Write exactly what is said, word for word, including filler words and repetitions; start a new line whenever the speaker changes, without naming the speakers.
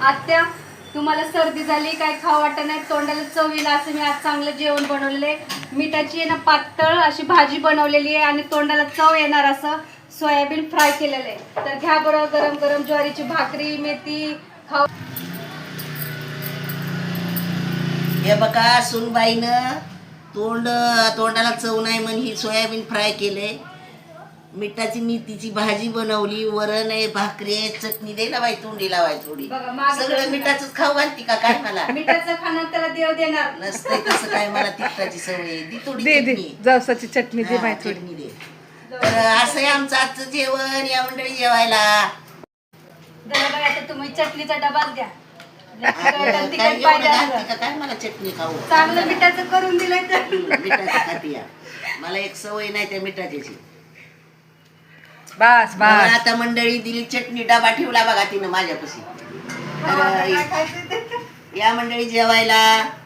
आत्या तुम्हाला सर्दी झाली, काय खाऊ वाटत नाही, तोंडाला चव येईल असं मी आज चांगलं जेवण बनवलेलं आहे. मिठाची आहे ना पातळ अशी भाजी बनवलेली आहे आणि तोंडाला चव येणार असं सोयाबीन फ्राय केलेलं आहे. तर घ्या बरं गरम गरम ज्वारीची भाकरी मेथी खाऊ.
हे बघा सुनबाईनं तोंड तोंडाला चव नाही म्हणून ही सोयाबीन फ्राय केले, मिठाची मेथीची भाजी बनवली, वरण आहे, भाकरी आहे, चटणी दे ना बाई, तोंडी लावाय थोडी.
बघा, मागं
सगळं
कसं
मिठाचंच खाऊ घालती का काय मला?
मिठाचं खाणं त्याला देव देणार
नसतंय तसं काय, मला तिखटाची सवय आहे. दी थोडी
दे दे
चटणी.
जवसाची चटणी दे
हा,
बाई थोडी.
चटणी दे. तर असं आहे आमचं आजचं जेवण. या मंडळी जेवायला.
जरा बघा आता तुम्ही चटणीचा डबाच द्या.
काय
तिखट
एवढं
पाहिजे
घालती
असं.
का काय मला चटणी खाऊ?
चांगलं मिठाचं करून दिलंय तर
हम्म, मिठाची खाती या. मला एक सवय नाही त्या मिठाची.
बस
मला
बस
आता मंडळी दिली चटणी, डबा ठेवला बघा तिनं माझ्यापाशी. तर
काय खायचं ते.
या मंडळी जेवायला.